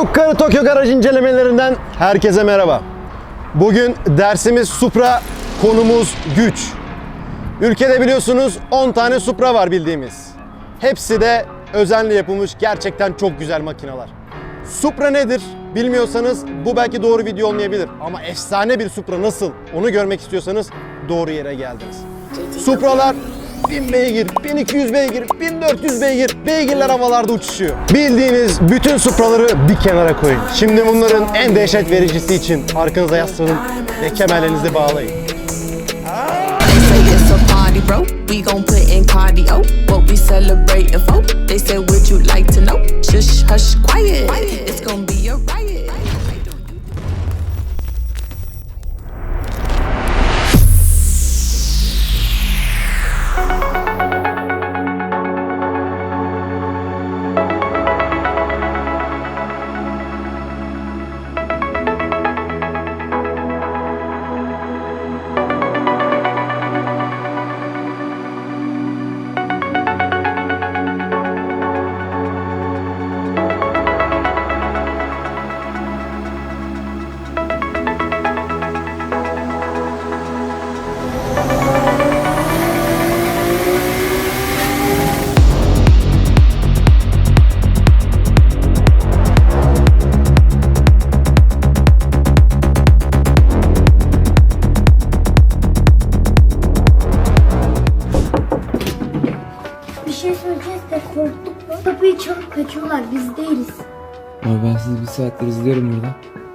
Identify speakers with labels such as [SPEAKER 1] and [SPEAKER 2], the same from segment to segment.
[SPEAKER 1] Kapkarı Tokyo Garaj incelemelerinden herkese merhaba. Bugün dersimiz Supra, konumuz güç. Ülkede biliyorsunuz 10 tane Supra var bildiğimiz. Hepsi de özenle yapılmış gerçekten çok güzel makineler. Supra nedir bilmiyorsanız bu belki doğru video olmayabilir. Ama efsane bir Supra nasıl onu görmek istiyorsanız doğru yere geldiniz. Supralar 1000 beygir, 1200 beygir, 1400 beygir, beygirler havalarda uçuşuyor. Bildiğiniz bütün Supraları bir kenara koyun. Şimdi bunların en dehşet vericisi için arkanıza yaslanın ve kemerlerinizi bağlayın.
[SPEAKER 2] It's a party, bro. We gon' put in cardio. What we celebrating for? They said, would you like to know? Shush, hush, quiet. It's gon' be a riot.
[SPEAKER 3] Bir şey söyleyeceğiz de korktuk mu? Kapıyı çalıp kaçıyorlar, biz değiliz.
[SPEAKER 4] Abi ben sizi bir saattir izliyorum burada.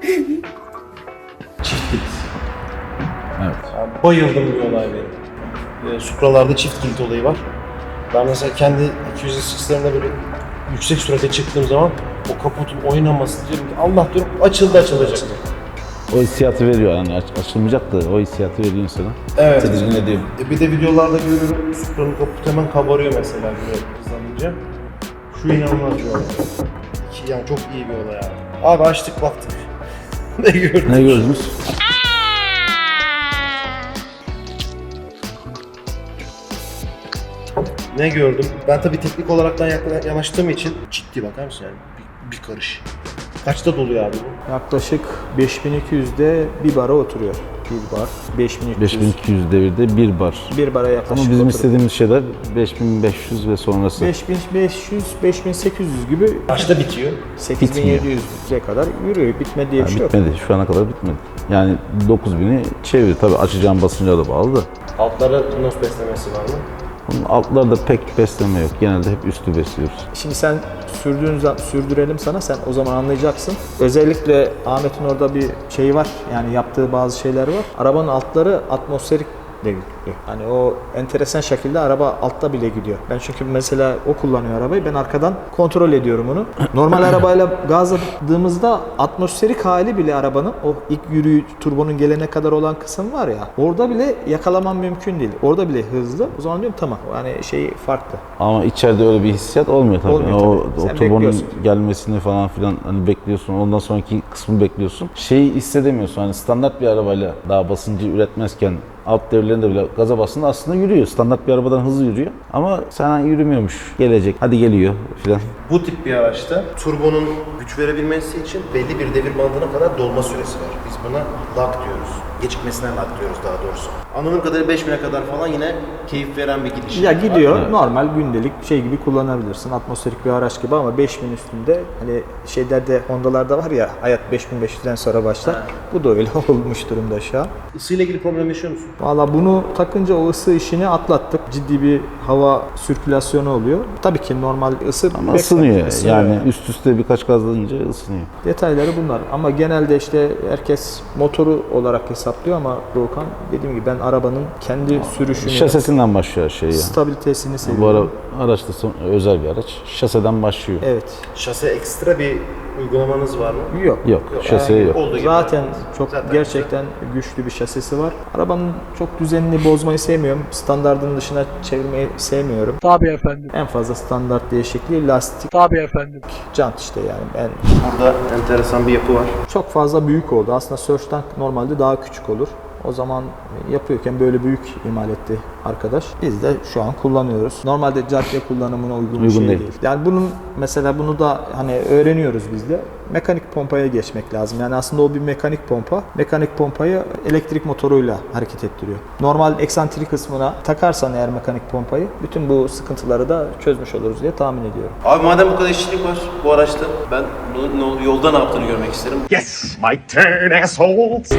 [SPEAKER 5] Evet.
[SPEAKER 1] Yani bayıldım bir olay benim. Supralarda çift kilit olayı var. Ben mesela kendi 200'lerin böyle yüksek sürate çıktığım zaman o kaputun oynaması diyorum ki Allah diyorum açılacak.
[SPEAKER 5] O hissiyatı veriyor yani açılmayacak da o hissiyatı veriyor insana.
[SPEAKER 1] Evet.
[SPEAKER 5] Tedirgin ediyor.
[SPEAKER 1] Bir de videolarda görüyorum Supra'nın kaputu hemen kabarıyor mesela böyle hızlanınca. Şu inanılmaz bir olay. Yani çok iyi bir olay abi. Abi açtık baktık. Ne gördük?
[SPEAKER 5] Ne gördünüz?
[SPEAKER 1] Ne gördüm? Ben tabii teknik olaraktan yanaştığım için ciddi bakar mısın yani bir karış. Kaçta doluyor abi bu?
[SPEAKER 6] Yaklaşık 5200'de bir bara oturuyor. Bir bar. 5300.
[SPEAKER 5] 5200 devirde bir bar.
[SPEAKER 6] Bir bara yaklaşık
[SPEAKER 5] Ama bizim
[SPEAKER 6] oturuyor.
[SPEAKER 5] istediğimiz şeyler 5500 ve sonrası.
[SPEAKER 6] 5500, 5800 gibi
[SPEAKER 1] Kaçta bitiyor?
[SPEAKER 6] 8700'e kadar yürüyor. Bitme diye bir şey yok.
[SPEAKER 5] Bitmedi. Şu ana kadar bitmedi. Yani 9000'i çevir. Tabii açacağım basınca da bağlı da.
[SPEAKER 1] Altlara nos beslemesi var mı?
[SPEAKER 5] Bunun altlarda pek besleme yok. Genelde hep üstü besliyoruz.
[SPEAKER 6] Şimdi sen sürdürelim sana, sen o zaman anlayacaksın. Özellikle Ahmet'in orada bir şey var, yani yaptığı bazı şeyler var. Arabanın altları atmosferik de gidiyor. Yani o enteresan şekilde araba altta bile gidiyor. Ben çünkü mesela o kullanıyor arabayı, ben arkadan kontrol ediyorum onu. Normal arabayla gazladığımızda atmosferik hali bile arabanın, o ilk yürüyüş turbonun gelene kadar olan kısım var ya, orada bile yakalamam mümkün değil. Orada bile hızlı. O zaman diyorum tamam, yani şey farklı.
[SPEAKER 5] Ama içeride öyle bir hissiyat olmuyor tabii.
[SPEAKER 6] Olmuyor tabii.
[SPEAKER 5] O
[SPEAKER 6] Sen
[SPEAKER 5] turbonun
[SPEAKER 6] bekliyorsun.
[SPEAKER 5] gelmesini falan filan hani bekliyorsun. Ondan sonraki kısmı bekliyorsun. Şeyi hissedemiyorsun. Hani standart bir arabayla daha basıncı üretmezken alt devirlerinde bile gaza bastığında aslında yürüyor. Standart bir arabadan hızlı yürüyor. Ama sana yürümüyormuş. Gelecek. Hadi geliyor filan.
[SPEAKER 1] Bu tip bir araçta turbonun güç verebilmesi için belli bir devir bandına kadar dolma süresi var. Biz buna lag diyoruz. Gecikmesine lag diyoruz daha doğrusu. Anladığım kadarıyla 5000'e kadar falan yine keyif veren bir gidiş.
[SPEAKER 6] Ya gidiyor,
[SPEAKER 5] Evet.
[SPEAKER 6] normal gündelik şey gibi kullanabilirsin. Atmosferik bir araç gibi ama 5000 üstünde, hani şeylerde, Honda'larda var ya, hayat 5500'den sonra başlar. Bu da öyle olmuş durumda şu an.
[SPEAKER 1] Isıyla ilgili problem yaşıyor musun?
[SPEAKER 6] Valla bunu takınca o ısı işini atlattık. Ciddi bir hava sirkülasyonu oluyor. Tabii ki normal ısı
[SPEAKER 5] Ama ısınıyor.
[SPEAKER 6] Isınıyor
[SPEAKER 5] Yani üst üste birkaç gazlayınca ısınıyor.
[SPEAKER 6] Detayları bunlar. Ama genelde işte herkes motoru olarak hesaplıyor ama Doğukan, dediğim gibi ben arabanın kendi sürüşünü,
[SPEAKER 5] Şasesinden başlıyor her şey ya.
[SPEAKER 6] stabilitesini
[SPEAKER 5] Bu
[SPEAKER 6] seviyorum.
[SPEAKER 5] araç da özel bir araç. Şaseden başlıyor.
[SPEAKER 6] Evet.
[SPEAKER 1] Şase ekstra bir uygulamanız var mı?
[SPEAKER 6] Yok.
[SPEAKER 5] Yok, şaseye yok.
[SPEAKER 1] Olduğu gibi.
[SPEAKER 6] Zaten çok
[SPEAKER 1] Zaten
[SPEAKER 6] gerçekten güçlü bir şasisi var. Arabanın çok düzenini bozmayı sevmiyorum. Standardın dışına çevirmeyi sevmiyorum.
[SPEAKER 7] Tabii efendim.
[SPEAKER 6] En fazla standart değişikliği lastik,
[SPEAKER 7] Tabii efendim.
[SPEAKER 6] jant işte yani. Ben
[SPEAKER 1] Burada enteresan bir yapı var.
[SPEAKER 6] çok fazla büyük oldu. Aslında Surge Tank normalde daha küçük olur. O zaman yapıyorken böyle büyük imal etti arkadaş. Biz de şu an kullanıyoruz. Normalde cadde kullanımına uygun bir şey
[SPEAKER 5] değil.
[SPEAKER 6] değil. Yani bunu da hani öğreniyoruz biz de. Mekanik pompaya geçmek lazım. Yani aslında o bir mekanik pompa. Mekanik pompayı elektrik motoruyla hareket ettiriyor. Normal eksantrik kısmına takarsan eğer mekanik pompayı bütün bu sıkıntıları da çözmüş oluruz diye tahmin ediyorum.
[SPEAKER 7] Abi madem bu kadar işçilik var bu araçta, ben bunun yolda ne yaptığını görmek isterim.
[SPEAKER 8] Yes, my turn, assholes!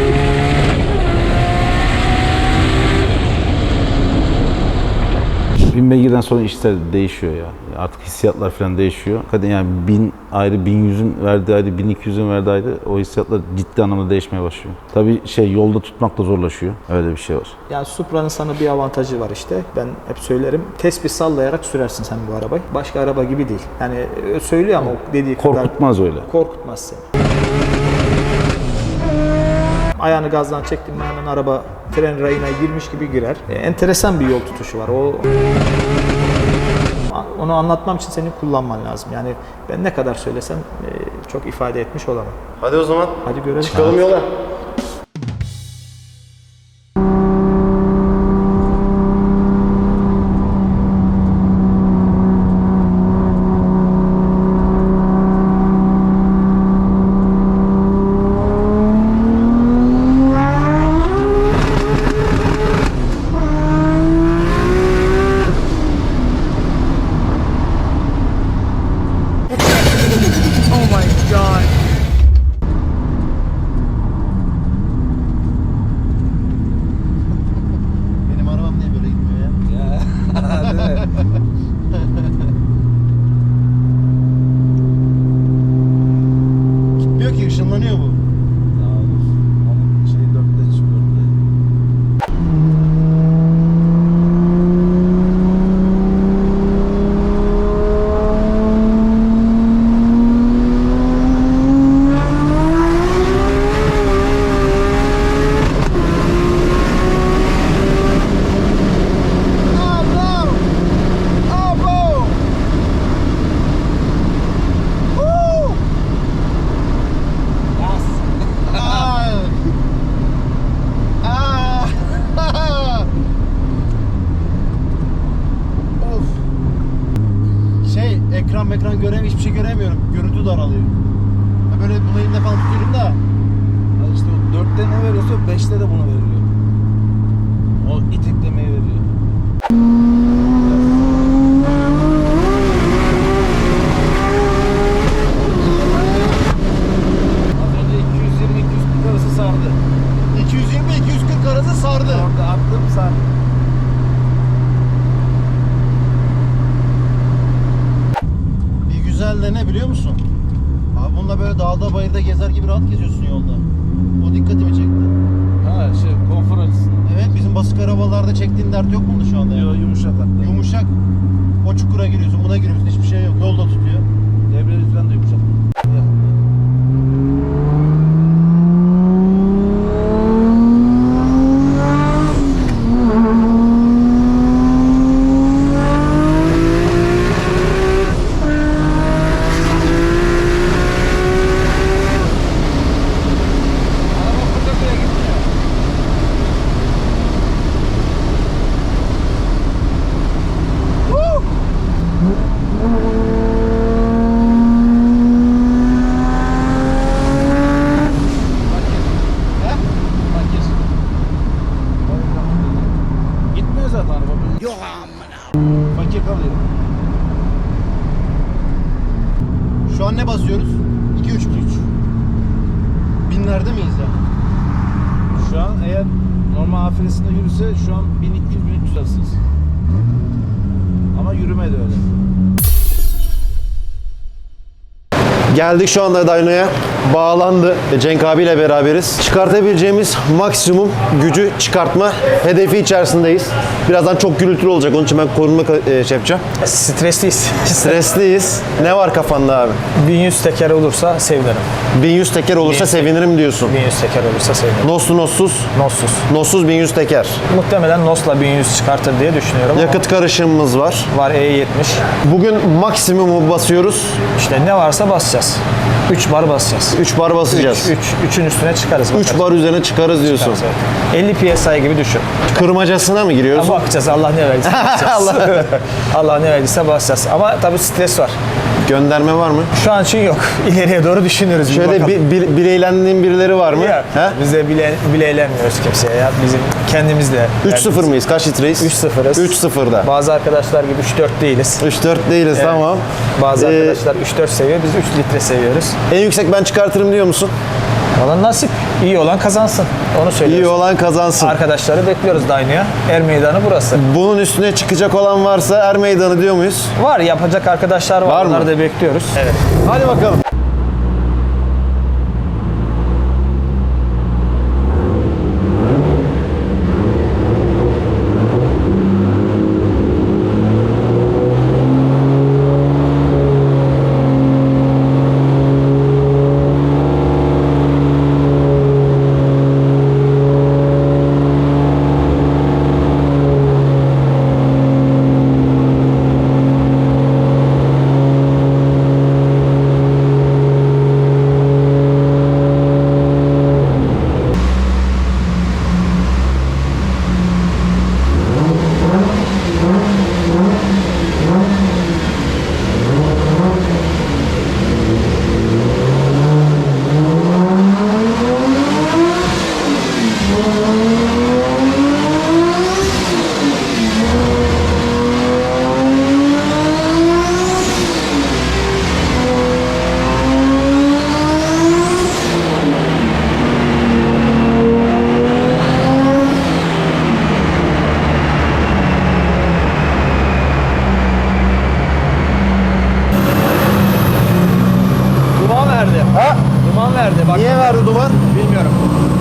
[SPEAKER 5] Bin beygirden sonra işler değişiyor ya. Artık hissiyatlar falan değişiyor. Kadın yani 1000 ayrı, 1100'ün verdiği ayrı, 1200'ün verdiği ayrı, o hissiyatlar ciddi anlamda değişmeye başlıyor. Tabii yolda tutmak da zorlaşıyor. Öyle bir şey var.
[SPEAKER 6] Yani Supra'nın sana bir avantajı var işte. Ben hep söylerim. Tespih sallayarak sürersin sen bu arabayı. Başka araba gibi değil. Yani söylüyor ama o dediği kadar
[SPEAKER 5] Korkutmaz öyle.
[SPEAKER 6] korkutmaz seni. Ayağını gazdan çektin mi hemen araba tren rayına girmiş gibi girer. Enteresan bir yol tutuşu var. Onu anlatmam için senin kullanman lazım. Yani ben ne kadar söylesem çok ifade etmiş olamam.
[SPEAKER 7] Hadi o zaman
[SPEAKER 6] Hadi görelim.
[SPEAKER 7] çıkalım yola.
[SPEAKER 1] Benim arabam niye böyle gitmiyor ya? Gitmiyor ki, ışınlanıyor bu. Ekran göremiyorum, hiçbir şey göremiyorum. Görüntü daralıyor. Böyle bunu elimde falan tutuyorum da.
[SPEAKER 9] İşte o 4'te ne veriyorsa 5'te de bunu veriyor. O iteklemeyi veriyor. Az önce 220-240 arası sardı.
[SPEAKER 1] 220-240 arası sardı.
[SPEAKER 9] Orada attım sardı.
[SPEAKER 1] Bir güzel de ne biliyor musun? Abi bununla böyle dağda bayırda gezer gibi rahat geziyorsun yolda. O dikkatimi çekti.
[SPEAKER 9] Ha konfor açısından.
[SPEAKER 1] Evet, bizim basık arabalarda çektiğin dert yok mu şu anda?
[SPEAKER 9] Yo, yumuşak hatta.
[SPEAKER 1] Yumuşak. O çukura giriyorsun, buna giriyorsun, hiçbir şey yok. Yolda tutuyor.
[SPEAKER 9] Debriyaj falan da yumuşak. Gitmiyor zaten araba. Yok amına. Fakir kalıyor.
[SPEAKER 1] Şu an ne basıyoruz? 2-3 binlerde miyiz ya?
[SPEAKER 9] Şu an eğer normal afiresinde yürüse şu an 1200-1300 arasınız. Ama yürüme de öyle.
[SPEAKER 1] Geldik şu anda Dyno'ya. Bağlandı. Cenk abiyle beraberiz. Çıkartabileceğimiz maksimum gücü çıkartma hedefi içerisindeyiz. Birazdan çok gürültülü olacak. Onun için ben korunma şey yapacağım.
[SPEAKER 6] Stresliyiz.
[SPEAKER 1] Stresliyiz. Ne var kafanda abi?
[SPEAKER 6] 1100 teker olursa sevinirim.
[SPEAKER 1] 1100 teker olursa sevinirim diyorsun.
[SPEAKER 6] 1100 teker olursa sevinirim.
[SPEAKER 1] Noslu nossuz.
[SPEAKER 6] Nossuz.
[SPEAKER 1] Nossuz 1100 teker.
[SPEAKER 6] Muhtemelen Nos'la 1100 çıkartır diye düşünüyorum.
[SPEAKER 1] Yakıt karışımımız var.
[SPEAKER 6] Var E70.
[SPEAKER 1] Bugün maksimumu basıyoruz.
[SPEAKER 6] İşte ne varsa basacağız. 3 bar basacağız.
[SPEAKER 1] 3 bar basacağız.
[SPEAKER 6] 3'ün üstüne çıkarız.
[SPEAKER 1] 3 bar üzerine çıkarız diyorsun.
[SPEAKER 6] Evet. 50 PSI gibi düşün.
[SPEAKER 1] Kırmacasına mı giriyoruz?
[SPEAKER 6] Ama bakacağız, Allah ne verdiyse basacağız. Allah ne verdiyse basacağız. Ama tabii stres var.
[SPEAKER 1] Gönderme var mı?
[SPEAKER 6] Şu an için yok. İleriye doğru düşünüyoruz. bir
[SPEAKER 1] Şöyle
[SPEAKER 6] bakalım.
[SPEAKER 1] bileylendiğin birileri var mı?
[SPEAKER 6] Yok.
[SPEAKER 1] He?
[SPEAKER 6] Biz de bile eğlenmiyoruz kimseye ya. Bizim kendimizle.
[SPEAKER 1] 3-0 mıyız? Kaç litreyiz?
[SPEAKER 6] 3-0'ız.
[SPEAKER 1] 3-0'da.
[SPEAKER 6] Bazı arkadaşlar gibi 3-4 değiliz.
[SPEAKER 1] 3-4 değiliz,
[SPEAKER 6] Evet.
[SPEAKER 1] tamam.
[SPEAKER 6] Bazı arkadaşlar 3-4 seviyor, biz 3 litre seviyoruz.
[SPEAKER 1] En yüksek ben çıkartırım diyor musun?
[SPEAKER 6] Valla nasip. İyi olan kazansın. Onu söylüyoruz.
[SPEAKER 1] İyi olan kazansın.
[SPEAKER 6] Arkadaşları bekliyoruz Dyno'ya. Er meydanı burası.
[SPEAKER 1] Bunun üstüne çıkacak olan varsa er meydanı diyor muyuz?
[SPEAKER 6] Var, yapacak arkadaşlar var.
[SPEAKER 1] Var mı?
[SPEAKER 6] Onları da bekliyoruz. Evet.
[SPEAKER 1] Hadi bakalım.
[SPEAKER 6] Duman verdi.
[SPEAKER 1] Ha?
[SPEAKER 6] Duman verdi. Bak.
[SPEAKER 1] Niye verdi duman?
[SPEAKER 6] Bilmiyorum.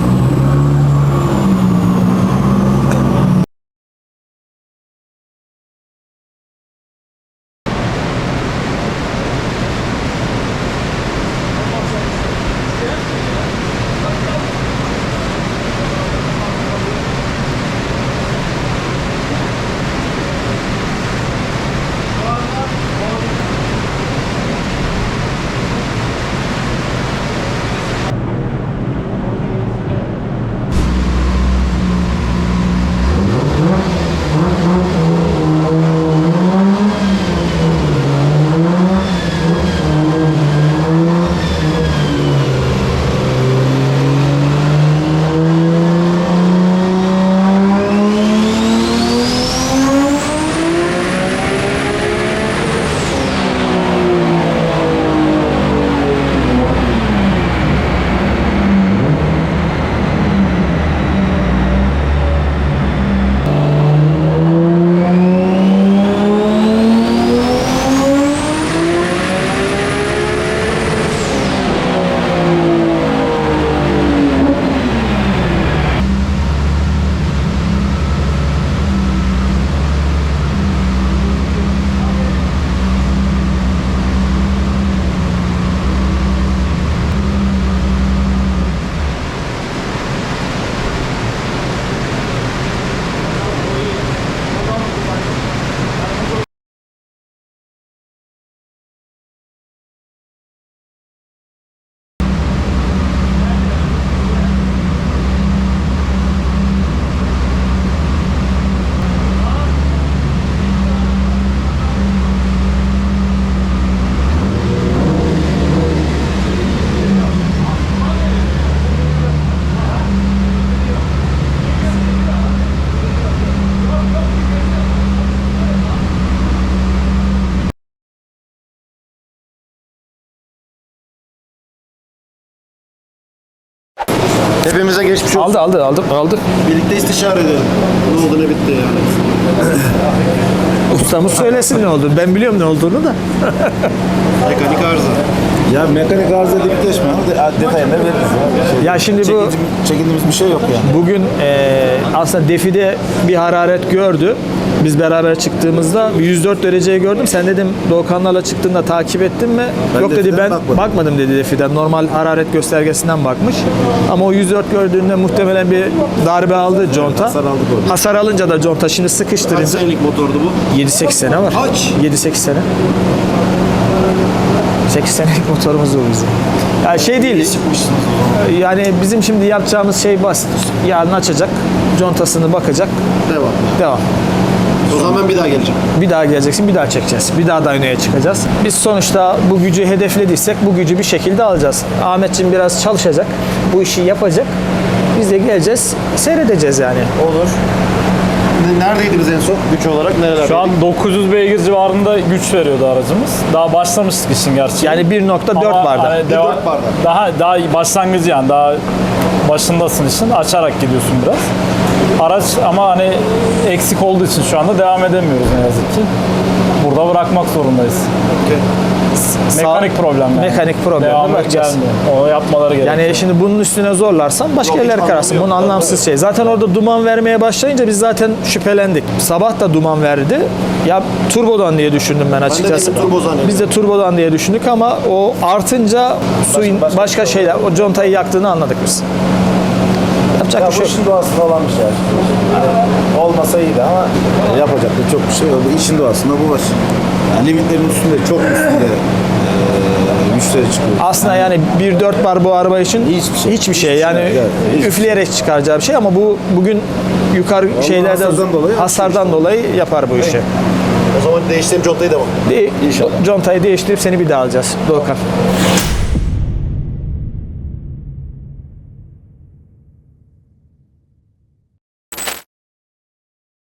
[SPEAKER 1] Hepimize geçmiş olsun.
[SPEAKER 6] Aldık.
[SPEAKER 1] Birlikte istişare edelim. Ne oldu ne bitti yani.
[SPEAKER 6] Ustamız söylesin ne olduğunu. Ben biliyorum ne olduğunu da.
[SPEAKER 1] Mekanik arıza.
[SPEAKER 5] Ya mekanik arıza deyip geçme. Detayını veririz.
[SPEAKER 6] Ya şimdi bu
[SPEAKER 5] Çekindiğimiz bir şey yok yani.
[SPEAKER 6] bugün aslında defide bir hararet gördü. Biz beraber çıktığımızda bir 104 dereceyi gördüm. Sen dedim Doğukanlarla çıktığında takip ettin mi? Yok dedi, ben bakmadım dedi defiden. Normal hararet göstergesinden bakmış. Ama o 104 gördüğünde muhtemelen bir darbe aldı conta.
[SPEAKER 5] Hasar aldık orada.
[SPEAKER 6] Hasar alınca da conta şimdi sıkıştırınca.
[SPEAKER 1] Senelik motordu bu?
[SPEAKER 6] 7-8 sene var.
[SPEAKER 1] Kaç?
[SPEAKER 6] 7-8 sene. 8 senelik motorumuz bu bizim. Yani şey değil. Yani bizim şimdi yapacağımız şey basit. Yarın açacak, contasını bakacak, devam.
[SPEAKER 1] O zaman ben bir daha geleceğim.
[SPEAKER 6] Bir daha geleceksin, bir daha çekeceğiz. Bir daha dyno'ya çıkacağız. Biz sonuçta bu gücü hedeflediysek bu gücü bir şekilde alacağız. Ahmetciğim biraz çalışacak, bu işi yapacak. Biz de geleceğiz, seyredeceğiz yani.
[SPEAKER 1] Olur. Neredeydiniz en son güç olarak? Nerelerdeydik?
[SPEAKER 10] Şu an 900 beygir civarında güç veriyordu aracımız. Daha başlamıştık işin gerçeği.
[SPEAKER 6] Yani 1.4
[SPEAKER 10] Ama
[SPEAKER 6] barda.
[SPEAKER 10] hani
[SPEAKER 1] 1.4 barda.
[SPEAKER 10] Daha başlangıcı yani daha başındasın işin. Açarak gidiyorsun biraz. Araç ama hani eksik olduğu için şu anda devam edemiyoruz ne yazık ki. Burada bırakmak zorundayız. Mekanik problem yani.
[SPEAKER 6] Mekanik problemle
[SPEAKER 10] Devamı
[SPEAKER 6] bırakacağız.
[SPEAKER 10] gelmiyor. Onu yapmaları gerekiyor.
[SPEAKER 6] Yani şimdi bunun üstüne zorlarsan başka
[SPEAKER 1] Yok, hiç
[SPEAKER 6] yerler kararsın.
[SPEAKER 1] anlamı
[SPEAKER 6] Bunun
[SPEAKER 1] yok.
[SPEAKER 6] anlamsız şey. Zaten orada duman vermeye başlayınca biz zaten şüphelendik. Sabah da duman verdi. Ya turbodan diye düşündüm ben açıkçası.
[SPEAKER 1] dedim turbo zannettim.
[SPEAKER 6] Biz de turbodan diye düşündük ama o artınca suyun başka şeyler, o contayı yaktığını anladık biz. Yapacak bir şey yok.
[SPEAKER 5] işin doğasında olan bir şey. Yani olmasa iyiydi ama yapacak da çok bir şey oldu. İşin doğasında bu var. Yani limitlerin üstünde, çok üstünde güçleri çıkıyor.
[SPEAKER 6] Aslında yani 1.4 bar bu araba için hiçbir şey. Yani
[SPEAKER 5] Evet,
[SPEAKER 6] üfleyerek çıkaracağı bir şey ama bu bugün yukarı şeylerde hasardan dolayı yapar bu işi.
[SPEAKER 1] O zaman değiştireyim contayı devam.
[SPEAKER 6] İnşallah. Contayı değiştirip seni bir daha alacağız Doğukan.